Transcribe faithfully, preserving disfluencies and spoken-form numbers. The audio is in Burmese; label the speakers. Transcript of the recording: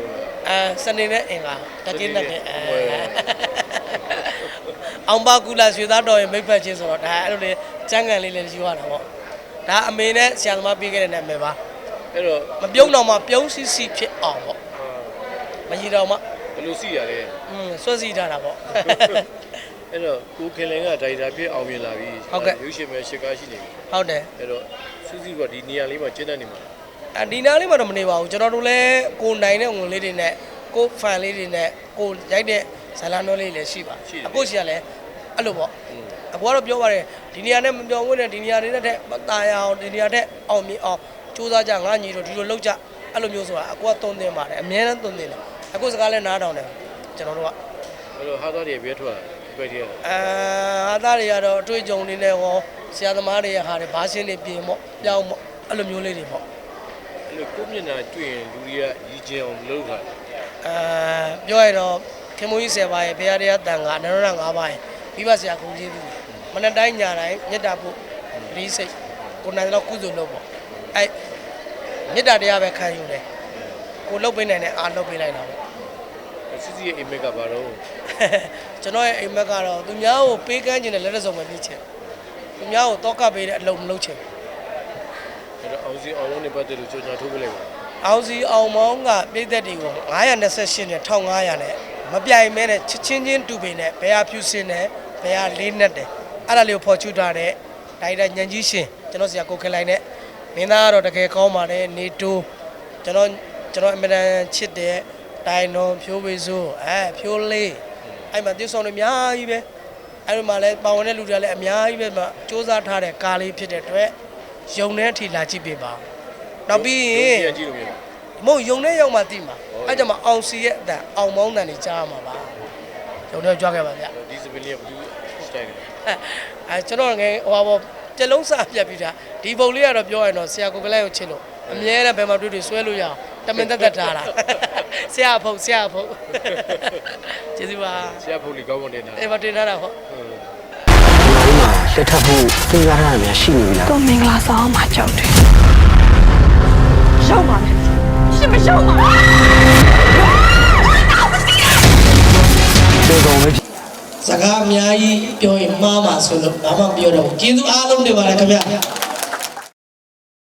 Speaker 1: အဲစနေနဲ့အင်္ဂါတကင်းနဲ့အဲအောင်ပါကူလာရွှေသားတော်ရဲ့မိတ်ဖက်ချင်းဆိုတော့ဒါအဲ့လိုလေကျန်းကန်လေးလည်းယူရတာပေါ့ဒါအမေနဲ့ဆရာသမားပေးခဲ့တဲ့နာမည်ပါ
Speaker 2: အဲ့တော့
Speaker 1: မပြုံးတော့မှပြုံးစီစီဖြစ်အောင်ပေါ့မကြီးတော့မှ
Speaker 2: ဘယ်လိုစီရလဲ
Speaker 1: อืมစွတ်စီထားတာပေါ့
Speaker 2: အဲ့တော့ကိုခင်လင်ကဒါရိုက်တာဖြစ်အောင်မြင်လာပြီရုပ်ရှင်ပဲရှစ်ကားရှိနေပြီ
Speaker 1: ဟုတ်တယ်
Speaker 2: အဲ့တော့စူးစီးကဒီနေရာလေးမှာကျင်းတဲ့နေမှာ
Speaker 1: အဒီနားလေးမှာတော့မနေပါဘူးကျွန်တော်တို့လည်းကိုနိုင်တဲ့ဝင်လေးတွေနဲ့ကိုဖန်လေးတွေနဲ့ကိုရိုက်တဲ့ဇာလန်တော်လေးလည်းရှိပါအခုရှိရလဲအဲ့လိုပေါ့အခုကတော့ပြောပါတယ်ဒီနေရာနဲ့မပြောင်းဝင်တဲ့ဒီနေရာတွေနဲ့မตายအောင်ဒီနေရာတဲ့အောင်မြင်အောင်စူးစမ်းကြငါညီတို့ဒီလိုလောက်ကြအဲ့လိုမျိုးဆိုတာအခုကသုံးသင်ပါတယ်အများနဲ့သုံးသင်တယ်အခုစကားလည်းနားထောင်တယ်ကျွန်တော်တို့က
Speaker 2: အဲ့လိုဟာသားတွေပြည့်ထွက်ပဲတည်း
Speaker 1: အာဟာသားတွေကတော့အတွေ့အကြုံတွေနဲ့ဟောဆရာသမားတွေရဲ့ဟာတွေဘာရှင်းနေပြင်ပေါ့ပြောင်းပေါ့အဲ့လိုမျိုးလေးတွေပေါ့
Speaker 2: အဲ့လိုကိုမျက်နှာတွေ့ရင်လူတွေကရည်ကျင်အောင်လုပ်တာ
Speaker 1: အာပြောရတော့ခင်မုန်းကြီးဆယ်ပါးရဲ့ဘုရားတရားတန်ခါနရဏငါးပါးရဲ့မိဘဆရာကုန်ကြီးသူမနက်တိုင်းညတိုင်းမေတ္တာဖို့လေးစိတ်ကိုနိုင်တော့ကုသိုလ်လုပ်ပေါ့အဲ့မေတ္တာတရားပဲခံယူတယ်ကိုလုပ်ပေးနိုင်တဲ့အားလုပ်ပေးလိုက်တာပေါ့
Speaker 2: စစ်စစ်ရဲ့အိမ်မက်ကဘာတော့
Speaker 1: ကျွန်တော်ရဲ့အိမ်မက်ကတော့သူများကိုပေးကမ်းခြင်းနဲ့လက်လက်စုံပဲဖြစ်ချင်သူများကိုတောကပေးတဲ့အလုပ်မလုပ်ချင်
Speaker 2: အဲ့တော့အောင်စီအောင်လုံးနေပတ်တယ်လို့ကြော်ညာထိုးပေးလိုက်ပါ
Speaker 1: အောင်စီအောင်မောင်းကပြည်သက်တွေကိုငါးရာနှစ်ဆယ့်ရှစ်နဲ့တစ်ထောင်ငါးရာနဲ့မပြိုင်မဲနဲ့ချစ်ချင်းချင်းတူပေနဲ့ဘယ်ဟာဖြူစင်နဲ့ဘယ်ဟာလေးနဲ့တယ်အဲ့ဒါလေးကိုဖော်ချူထားတဲ့ဒါရိုက်တာညံကြီးရှင်ကျွန်တော်ဆရာကိုခင်လိုက်နဲ့မင်းသားကတော့တကယ်ကောင်းပါတယ်နေတိုးကျွန်တော်ကျွန်တော်အမြဲတမ်းချစ်တဲ့တိုင်တော်ဖြိုးဝေစိုးအဲဖြိုးလေးအဲ့မှာတိဆောင်တွေအများကြီးပဲအဲ့ဒီမှာလည်းပါဝင်တဲ့လူတွေလည်းအများကြီးပဲမှာစူးစမ်းထားတဲ့ကားလေးဖြစ်တဲ့အတွက်ယုံတဲ့အထိလာကြည့်ပေးပါနောက်ပြီးရင်မဟုတ်ယုံတဲ့ရောက်မှသိမှာအဲ့ကြမှာအောင်စီရဲ့အတန်အောင်မောင်းတန်တွေကြားရမှာပါယုံတဲ့ကြွားခဲ့ပါဗျ
Speaker 2: ဒီစပင်းလေးကဘယ်လိုစတိုင်လဲ
Speaker 1: အဲကျွန်တော်ငယ်ဟိုပါကြလုံးစားပြတ်ပြီးတာဒီပုံလေးကတော့ပြောရရင်တော့ဆရာကိုကလေးကိုချစ်လို့အမြဲတမ်းဘယ်မှာတွေ့တွေ့ဆွဲလို့ရအောင်တမင်တက်တက်ထားတာဆရာဖုတ်ဆရာဖုတ်ကျေးဇူးပါ
Speaker 2: ဆရာဖုတ်လေးကောင်းမွန်တင်တာ
Speaker 1: အေးမတင်ထားတာဟုတ်
Speaker 3: လက်ထပ်ဖို့စဉ်းစားရတာများရှိနေပြီလား
Speaker 4: ကိုမင်္ဂလာဆောင်မှာကြောက်တယ်ရောက်ပါမယ်ရှင်မရောက်ပါ
Speaker 3: ဘူးတော်တော်ပဲ
Speaker 1: စကားအများကြီးပြောရင်မှားမှာဆိုလို့ဘာမှပြောတော့ကျေးဇူးအားလုံးတင်ပါတယ်ခင်ဗျာ